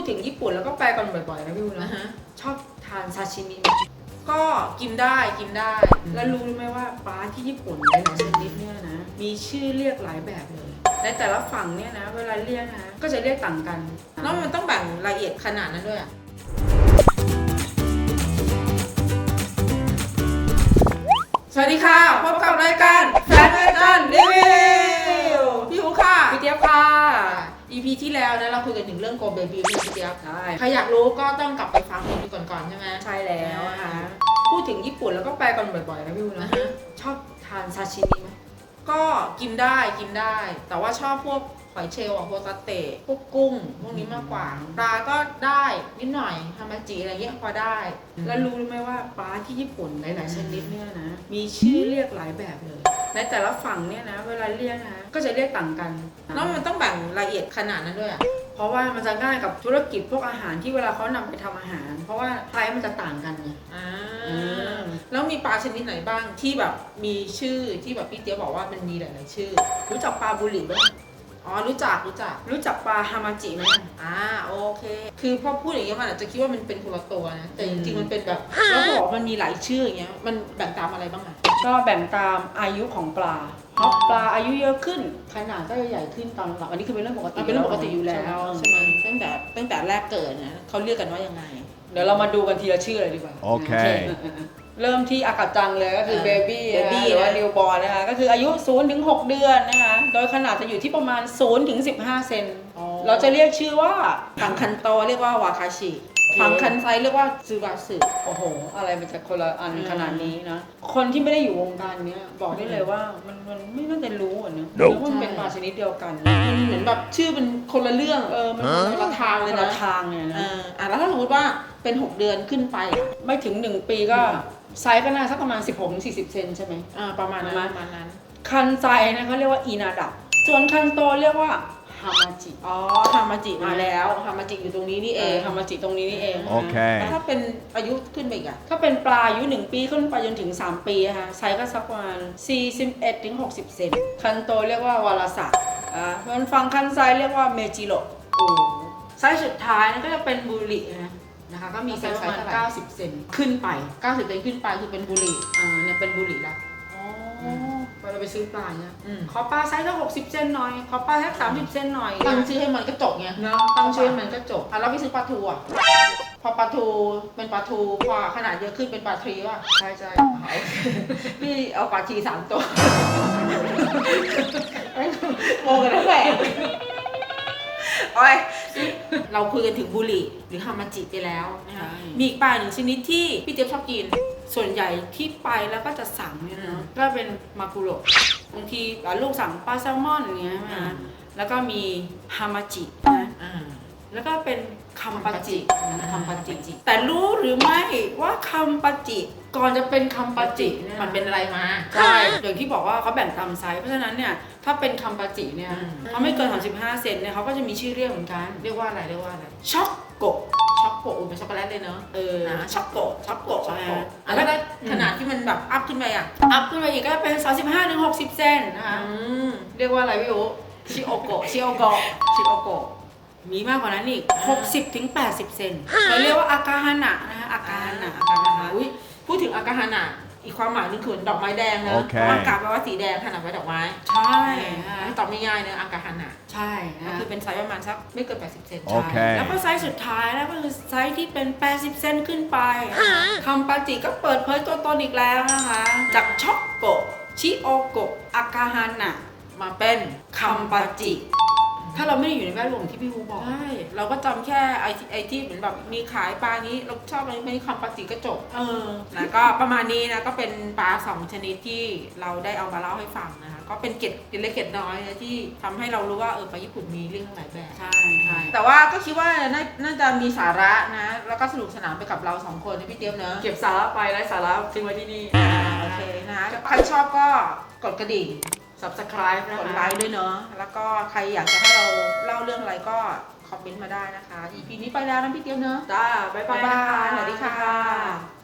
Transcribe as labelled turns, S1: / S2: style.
S1: ถึงญี่ปุ่นแล้วก็ไปกันบ่อยๆนะพี่วุ้นนะชอบทานซาชิมิ
S2: ก็กินได้
S1: แล้วรู้ไหมว่าปลาที่ญี่ปุ่นหลายชนิดเนี่ยนะมีชื่อเรียกหลายแบบเลยในแต่ละฝั่งเนี่ยนะเวลาเรียกนะก็จะเรียกต่างกัน
S2: แล้วมันต้องแบ่งรายละเอียดขนาดนั้นด้วยสวัสดีค่ะพบกับรายการแฟนรายการรีวิวพี่อู๋ค่ะ
S1: พี่เจี๊ยบค่ะ
S2: EP ที่แล้วนะเราคุยกันถึงเรื่องโกเบบีพี่เจี๊ยบใครอยากรู้ก็ต้องกลับไปฟัง EP ก่อนใช่ไหม
S1: ใช่แล้วค่ะพูดถึงญี่ปุ่นแล้วก็ไปกันบ่อยๆนะพี่วุ้นนะชอบทานซาชิมิไหม
S2: ก็กินได้แต่ว่าชอบพวกหอยเชลล์พวกสเต๊ะพวกกุ้งพวกนี้มากกว่าปลาก็ได้นิดหน่อยฮามาจิอะไรเงี้ยพอได้
S1: แล้วรู้ไหมว่าปลาที่ญี่ปุ่นหลายๆชนิดเนี่ยนะมีชื่อเรียกหลายแบบเลยในแต่ละฝั่งเนี่ยนะเวลาเรียกนะก็จะเรียกต่างกัน
S2: แล้วมันต้องแบ่งรายละเอียดขนาดนั้นด้วย
S1: เพราะว่ามันจะง่ายกับธุรกิจพวกอาหารที่เวลาเขานำไปทำอาหารเพราะว่าไซส์มันจะต่างกันไง
S2: แล้วมีปลาชนิดไหนบ้างที่แบบมีชื่อที่แบบพี่เตี้ยบอกว่ามันมีหลายๆชื่อ
S1: รู้จักปลาบุหรี่ไหม
S2: อ๋อรู้จัก
S1: ปลาฮามาจิไหม
S2: โอเคคือพอพูดอย่างเงี้ยมันอาจจะคิดว่ามันเป็นคนละตัวนะแต่จริงๆมันเป็นแบบแล้วบอกมันมีหลายชื่ออย่างเงี้ยมันแบ่งตามอะไรบ้างอ่ะ
S1: ก็แบ่งตามอายุของปลาเพราะปลาอายุเยอะขึ้นขนาดก็จะใหญ่ขึ้นตามลำดับอันนี้คือเป็นเรื่องปกติ
S2: อยู่แล้วใช่ไหมตั้งแต่แรกเกิดนะเขาเรียกกันว่ายังไง
S1: เดี๋ยวเรามาดูกันทีละชื่อเลยดีกว่า
S3: โอเค
S1: เริ่มที่อากาจังเลยก็คือเบบี้หรือว่านิวบอร์นนะคะก็คืออายุ0 ถึง 6 เดือนนะคะโดยขนาดจะอยู่ที่ประมาณ0 ถึง 15 เซนเราจะเรียกชื่อว่า
S2: ผังคันโตเรียกว่าวาคาชิผังคันไซเรียกว่าซูบาสึ
S1: โอ้โหอะไรมันจะคนละอันขนาดนี้นะคนที่ไม่ได้อยู่วงการนี้บอกได้เลยว่ามันไม่น่าจะรู้อ่ะเนอะเพราะมันเป็นปลาชนิดเดียวกัน
S2: เหมือนแบบชื่อเป็นคนละเรื่องมันคนละทางเลยนะแล้วถ้าสมมติว่าเป็น6 เดือนขึ้นไป
S1: ไม่ถึง1 ปีก็ไซส์ก็น่าสักประมาณ16-40 เซนใช่ไหม
S2: ประมาณนั้น
S1: คันไซนะเขาเรียกว่าอีนาดะส่วนคันโตเรียกว่าฮามาจิ
S2: ฮามาจิมาแล้วฮามาจิอยู่ตรงนี้นี่เอง
S1: ฮามาจิตรงนี้นี่เอง
S3: โอเค
S2: แล้วถ้าเป็นอายุขึ้นไปอีกอะ
S1: ถ้าเป็นปลาอายุ1 ปีขึ้นไปจนถึง3 ปีค่ะไซส์ก็สักประมาณ41-60 เซนคันโตเรียกว่าวาราสะส่วนฝั่งคันไซเรียกว่าเมจิโร่ไซส์สุดท้ายนั่นก็จะเป็นบุรินะคะก็มีไซส์ประมาณ90 เซนขึ้นไป
S2: 90 เซนขึ้นไปคือเป็นบุหรี่
S1: เนี่ยเป็นบุหรี่ละพอเราไปซื้อปลาเนี่ยขอปลาไซส์สัก60 เซนหน่อยขอปลาสัก30 เซนหน่อย
S2: ตั้งชื่อให้มันก็จบไง
S1: เนาะตั้งชื่อให้มันก็จบ
S2: แล้วพี่ซื้อปลาทูอ่ะพอปลาทูเป็นปลาทูพอขนาดเยอะขึ้นเป็นปลาทรีว่ะ
S1: ใช่
S2: พี่เอาปลาที3 ตัวโมกันทั้งแหล่เราคุยกันถึงบุหรี่หรือฮามาจิไปแล้วนะคะมีอีกปลาหนึ่งชนิดที่พี่เจี๊ยบชอบกินส่วนใหญ่ที่ไปแล้วก็จะสั่งเนี่ยนะก็เป็นมากุโระบางทีลูกสั่งปลาแซลมอนอย่างเงี้ยนะแล้วก็มีฮามาจินะแล้วก็เป็นคัมปาจิแต่รู้หรือไม่ว่าคัมปาจิก่อนจะเป็นคัมปาจิเนี่ยมันเป็นอะไรมา
S1: ใช่อย่างที่บอกว่าเขาแบ่งตามไซส์เพราะฉะนั้นเนี่ยถ้าเป็นคัมปาจิเนี่ยเขาไม่เกิน35 เซนเนี่ยเขาก็จะมีชื่อเรียกเหมือนกัน
S2: เรียกว่าอะไร
S1: ช็อกโก
S2: เป็นช็อกโกแลตเลยเนอะช็อกโกใช่
S1: แล้ว
S2: ขนาดที่มันแบบอัพขึ้นไป
S1: อีกก็เป็น35-60 เซนนะคะเรียกว่าอะไรพี่โอชิโอโกะมีมากกว่านั้นอีก60-80 เซนเราเรียกว่าอากาฮานะนะคะอากาฮานะ
S2: พูดถึงอากาฮานะอีกความหมายนึงคือดอกไม้แดงนะเพราะอากาแปลว่าสีแดงขนาดไว้ดอกไม้
S1: ใช่
S2: ตอบง่ายๆเนอะอากาฮานะ
S1: ใช่
S2: ก็คือเป็นไซส์ประมาณสักไม่เกิน80 เซน
S1: แล้วก็ไซส์สุดท้ายแล้วก็คือไซส์ที่เป็น80 เซนขึ้นไปคัมปาจิก็เปิดเผยตัวตนอีกแล้วนะคะจากช็อกโกชิโอโกะอากาฮานะ
S2: มาเป็น
S1: คัมปาจิถ้าเราไม่ได้อยู่ในแวดวงที่พี่ฮูบอก
S2: ใช่เราก็จำแค่ไอที่เหมือนแบบมีขายปลานี้เราชอบอะไรไม่คัมปาจิก็จบนะก็ประมาณนี้นะก็เป็นปลา2 ชนิดที่เราได้เอามาเล่าให้ฟังนะคะก็เป็นเกร็ดเล็กเกร็ดน้อยนะที่ทำให้เรารู้ว่าปลาญี่ปุ่นมีเรื่องหลายแบบ
S1: ใช่
S2: แต่ว่าก็คิดว่าน่าจะมีสาระนะแล้วก็สนุกสนานไปกับเรา2 คนนะพี่เตี้ยมเนอะ
S1: เก็บสาระไปไร้สาระทิ้งไว้ที่นี่
S2: โอเคนะใครชอบก็กดกระดิ่ง
S1: subscribe
S2: กดไลค์ด้วยเนาะแล้วก็ใครอยากจะให้เราเล่าเรื่องอะไรก็คอมเมนต์มาได้นะคะ EP นี้ไปแล้วนะพี่เตี้ยมเนอะ
S1: จ้าบ๊ายบาย
S2: สวัสดีค่ะ